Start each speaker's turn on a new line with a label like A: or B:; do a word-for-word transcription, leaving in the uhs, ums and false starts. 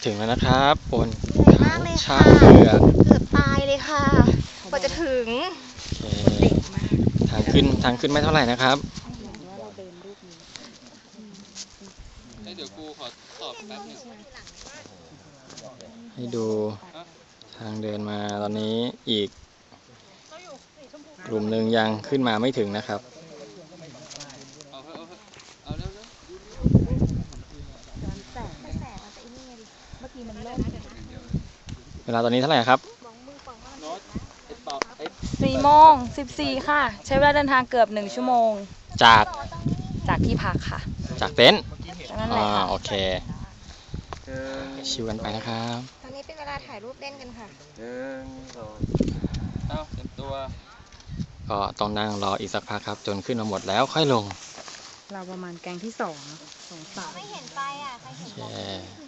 A: ถึงแล้วนะครับบน
B: เหนื่อยมากเลย
A: ช้า
B: ค่ะ
A: งเผือก
B: เกือบตายเลยค่ะกว่าจะถึง
A: โอเคทางขึ้นทางขึ้นไม่เท่าไหร่นะครับเดี๋ยวกูขอตอบแป๊บนึงให้ดูทางเดินมาตอนนี้อีกกลุ่มหนึ่งยังขึ้นมาไม่ถึงนะครับเวลาตอนนี้เท่าไหร่ครับ
C: สี่โมงสิบสี่ค่ะใช้เวลาเดินทางเกือบหนึ่งชั่วโมง
A: จาก
C: จากที่พักค่ะ
A: จากเต็นท์
C: นั่นแห
A: อ่า
C: ละค่ะ
A: โอเคชิวกันไปนะครับ
B: ตอนนี้เป็นเวลาถ่ายรูปเล่นกันค่ะ
D: หนึ่งสองเอ้าเต็มตัว
A: ก็ต้องนั่งรออีกสักพักครับจนขึ้นมาหมดแล้วค่อยลง
C: เราประมาณแกงที่สองสองสาม
B: ไม่เห็นไปอ่ะใครเห็น
A: โอเค